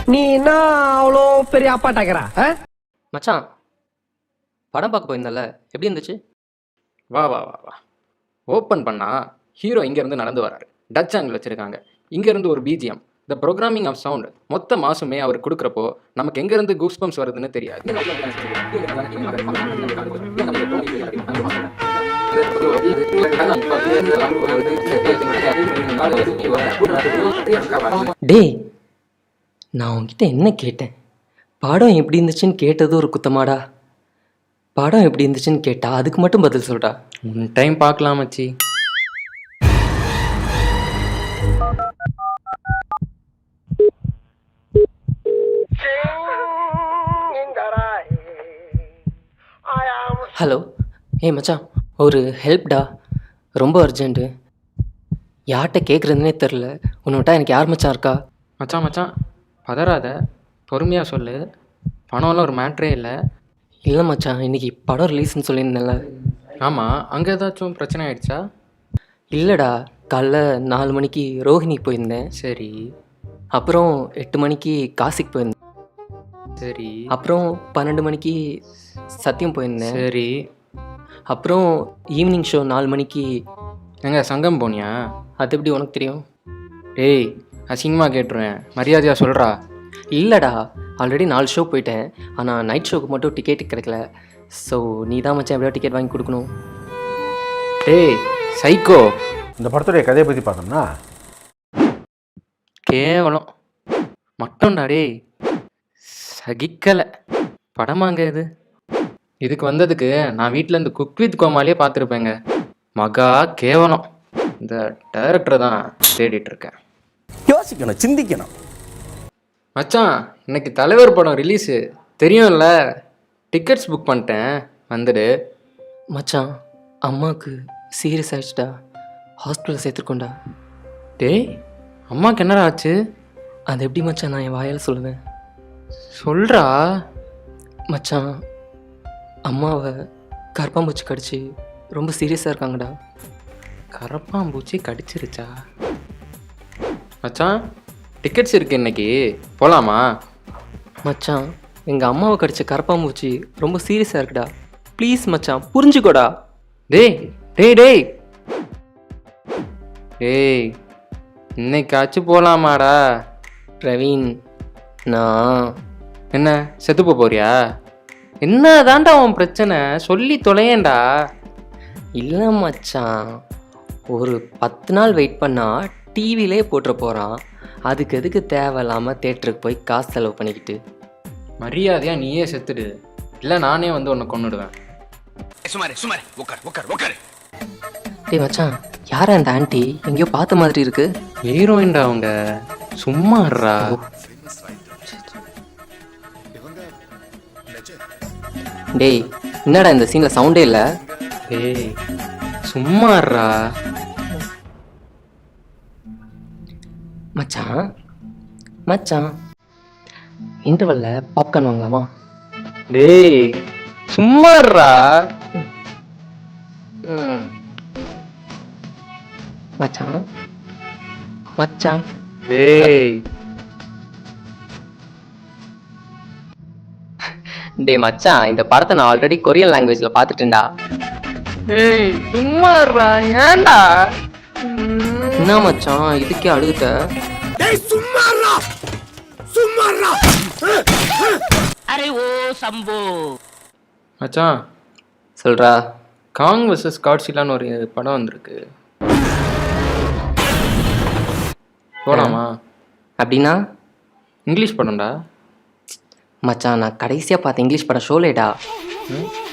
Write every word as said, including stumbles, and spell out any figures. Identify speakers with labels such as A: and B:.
A: நீ என்ன அவ்வளோ பெரிய அப்பாட்டாக்கிறா?
B: மச்சான் படம் பார்க்க போயிருந்தல, எப்படி இருந்துச்சு?
C: வா வா வா வா ஓப்பன் பண்ணா ஹீரோ இங்கேருந்து நடந்து வராரு. டச் ஆங்கிள் வச்சுருக்காங்க. இங்கேருந்து ஒரு BGM, the programming of sound மொத்த மாசுமே அவர் கொடுக்குறப்போ நமக்கு எங்கேருந்து கூஸ் பம்ப்ஸ் வருதுன்னு தெரியாது.
B: டேய், நான் உன்கிட்ட என்ன கேட்டேன்? படம் எப்படி இருந்துச்சுன்னு கேட்டது ஒரு குத்தமாடா? படம் எப்படி இருந்துச்சுன்னு கேட்டா அதுக்கு மட்டும் பதில் சொல்டா.
C: ஒன் டைம் பார்க்கலாம் மச்சி.
B: ஹலோ, ஏய் மச்சான், ஒரு ஹெல்ப்டா, ரொம்ப அர்ஜென்ட்டு. யார்கிட்ட கேட்குறதுனே தெரில. உன்னோட்டா எனக்கு யார் மச்சான் இருக்கா?
C: மச்சான் மச்சான் பதறாத, பொறுமையாக சொல்லு. பணம்லாம் ஒரு மேட்ரே இல்லை.
B: இல்லை மச்சான், இன்றைக்கி படம் ரிலீஸ்ன்னு சொல்லியிருந்தேன்ல.
C: ஆமாம், அங்கே ஏதாச்சும் பிரச்சனை ஆயிடுச்சா?
B: இல்லைடா, காலைல நாலு மணிக்கு ரோஹிணி போயிருந்தேன்.
C: சரி
B: அப்புறம் எட்டு மணிக்கு காசிக்கு போயிருந்தேன்.
C: சரி
B: அப்புறம் பன்னெண்டு மணிக்கு சத்தியம் போயிருந்தேன்.
C: சரி
B: அப்புறம் ஈவினிங் ஷோ நாலு மணிக்கு.
C: எங்க சங்கம் போனியா?
B: அது எப்படி உனக்கு தெரியும்?
C: ஏய், அசிங்கமாக கேட்டுருவேன், மரியாதையாக சொல்கிறா.
B: இல்லைடா, ஆல்ரெடி நாலு ஷோ போயிட்டேன். ஆனால் நைட் ஷோக்கு மட்டும் டிக்கெட் கிடைக்கல. ஸோ நீ தான் மச்சான் எப்படியோ டிக்கெட் வாங்கி கொடுக்கணும்.
C: ஏய் சைக்கோ,
D: இந்த படத்துடைய கதையை பற்றி பார்த்தோம்னா
C: கேவலம் மட்டும்டா. டேய் சகிக்கலை. படமாங்க இது. இதுக்கு வந்ததுக்கு நான் வீட்டில் இந்த குக் வித் கோமாலே பார்த்துருப்பேங்க. மகா கேவலம். இந்த டைரக்டரை தான் தேடிட்டு இருக்கேன்.
D: யோசிக்கணும், சிந்திக்கணும்.
C: மச்சான், இன்னைக்கு தலைவர் படம் ரிலீஸு தெரியும்ல. டிக்கெட்ஸ் புக் பண்ணிட்டேன், வந்துடு.
B: மச்சான், அம்மாவுக்கு சீரியஸ் ஆயிடுச்சுடா, ஹாஸ்பிட்டலில் சேர்த்துருக்கோண்டா.
C: டேய், அம்மாவுக்கு என்னடா ஆச்சு?
B: அது எப்படி மச்சான் நான் என் வாயால் சொல்லுவேன்?
C: சொல்கிறா.
B: மச்சான், அம்மாவை கரப்பாம்பூச்சி கடிச்சு ரொம்ப சீரியஸாக இருக்காங்கடா.
C: கரப்பாம்பூச்சி கடிச்சிருச்சா? மச்சான், டிக்கெட்ஸ் இருக்கு இன்னைக்கு, போகலாமா?
B: மச்சான், எங்கள் அம்மாவை கடிச்ச கரப்பாம்பூச்சி ரொம்ப சீரியஸாக இருக்குடா. ப்ளீஸ் மச்சான், புரிஞ்சுக்கோடா.
C: டேய் டேய் டேய் டேய் இன்னைக்காச்சும் போகலாமாடா?
B: பிரவீன், நான்
C: என்ன செத்து போறியா? என்ன தாண்டா உன் பிரச்சனை? சொல்லி தொலையேண்டா.
B: இல்லை மச்சான், ஒரு பத்து நாள் வெயிட் பண்ணால் டிவிலே போட்டுற போகிறான். அதுக்கு எதுக்கு தேவையில்லாமல் தேட்டருக்கு போய் காசு செலவு பண்ணிக்கிட்டு?
C: மரியாதையாக நீயே செத்துடு, இல்லை நானே வந்து உன்னை கொன்னுடுவேன்.
E: சுமாரே சுமாரே உட்கார் உட்கார் உட்கார்.
B: டேய் மச்சான், யாரா இந்த ஆண்டி? எங்கேயோ பார்த்த மாதிரி இருக்கு.
C: ஹீரோயின்டா அவங்க, சும்மாடுறா.
B: டேய், என்னடா இந்த சீனில் சவுண்டே இல்லை?
C: டேய் சும்மாடுறா.
B: மச்சான் மச்சான் இன்டர்வல்ல பாப்கார்ன் வாங்கலாமா?
C: டேய் சும்மாடுறா.
B: மச்சான் மச்சான்
C: டேய்
B: டேய் மச்சான், இந்த படத்தை நான் ஆல்ரெடி கொரியன் லாங்குவேஜ்ல பார்த்துட்டேன்டா.
C: டேய் சும்மாடுறா. ஏன்டா?
B: என்ன மச்சான் இதுக்கே அழுகுட்ட?
E: டேய் சும்மாறா சும்மாறா. அரே ஓ சம்போ.
C: மச்சான்
B: சொல்றா.
C: காங் வெர்சஸ் காட்ஸிலான்னு ஒரு படம் வந்திருக்கு, போலாமா?
B: அப்படின்னா?
C: இங்கிலீஷ் படம்டா.
B: மச்சான், நான் கடைசியாக பார்த்த இங்கிலீஷ் படம் ஷோலேடா.
C: ம்